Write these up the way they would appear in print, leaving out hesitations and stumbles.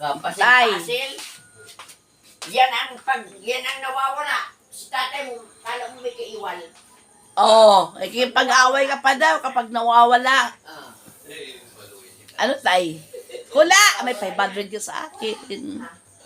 Kapasil-pasil. Yan ang nawawala. Si tatay mo, kala mo may kaiwal. Oo, pag-away ka pa daw kapag nawawala. Ah. Ano, tay? Hula! May 500 ka sa akin.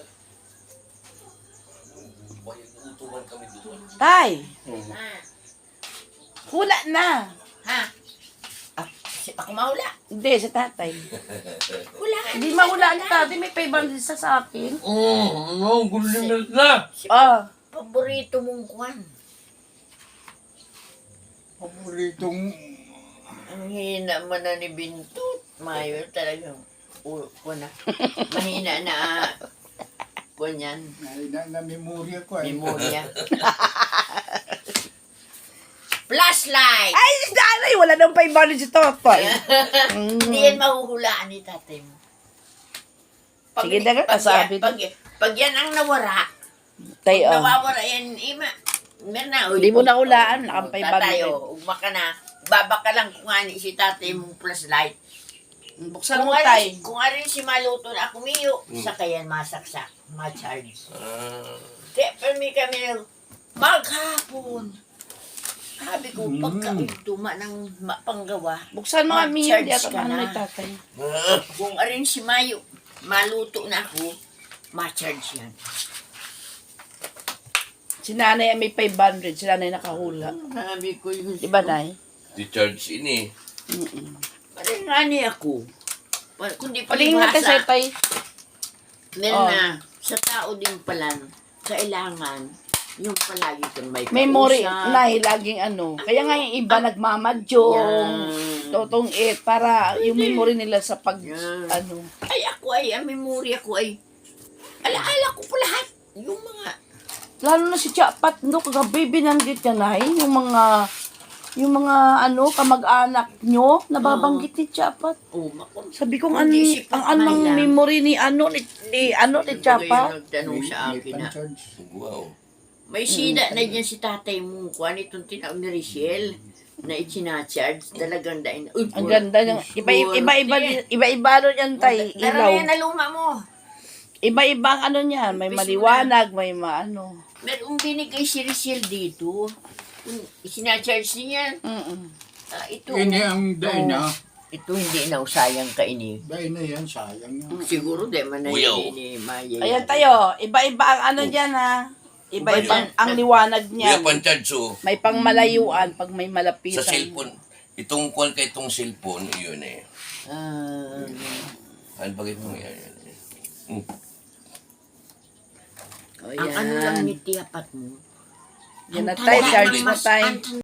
Tay, Ha? hula na. Ha? Ako mahula. Hindi, sa tatay. Hula. Hindi mahula ni tatay, may 500 sa akin. Gulo na. Ah, Paborito mong kwan. Paboritong Ang hina mo na ni Bintot. Mayo talagang na. Mahina na kwan yan. na memorya ko eh. Memorya. Flashlight! ay, nanay, wala nang 500 si tatay. Hindi yan mahuhulaan ni tatay mo. Sige na nga, kasabi pag yan ang nawara, Tay, oh. nawawala yan, ima. Meron na. Hindi mo na hulaan, nakang 500. Tatay, ugma ka na. Baba ka lang kung ani si tatay mong flashlight. Buksan mo, tay. Kung arin si maluto na kumiyo, sa kayan masaksak, ma-charge. Kaya permi kami maghapon. Sabi ko, pagka tuma ng panggawa, Buksan mo, Ami, mag-charge hindi ako ka naman na. ni tatay. Kung arin si Mayo, maluto na ako, ma-charge yan. Si nanay may 500, si nanay nakahula. Sabi ko yun. Diba, nay? Di-charge ini. Parang ngani ako. Kundi Palingin natin sa palibhasa, tay. meron Oh. na, sa tao din pala, kailangan, yung palagi kang may Memory, kausap. nay, laging ano. Kaya nga yung iba nagmamadyong, Yan. totong para yung memory nila sa pag, Yan. ano. Ay, ako ay, ang memorya ko ay, alaala ko po lahat. Yung mga, Lalo na si Chapat, no, kagabi binanggit niya, nay, yung mga ano, kamag-anak nyo, nababanggit ni Chapat. makon. Sabi ko, Kung di si ang Pat anong man lang. memory ni Chapat. Nagtanong sa akin na, Pan-charge. Wow. may sida na dyan si tatay mo, kuhan itong tinawag ni Richelle, na itinacharge, talagang dain. Uy, Ang ganda ng, iba-iba ano yan, tay, ilaw. Narami na luma mo. Iba-ibang ano niyan, may maliwanag, may maano. Meron binigay si Richelle dito. Isinacharge niya. Ito. Ini ang day na. Ito hindi na usayang kaini. Day na yan, sayang yan. Siguro di man na Uyaw. ini Maya. Ayan tayo, iba-iba ang ano diyan ha. Iba-ibang ang liwanag Kuya, niya. pan-charge May pangmalayuan pag may sa malapitan. cellphone. Itong kuwan ka itong cellphone, yun eh. Ano ba itong yan? Ang ano lang ni tiyapat mo. Yan na Ang tayo, tanda charge ng na tayo. ang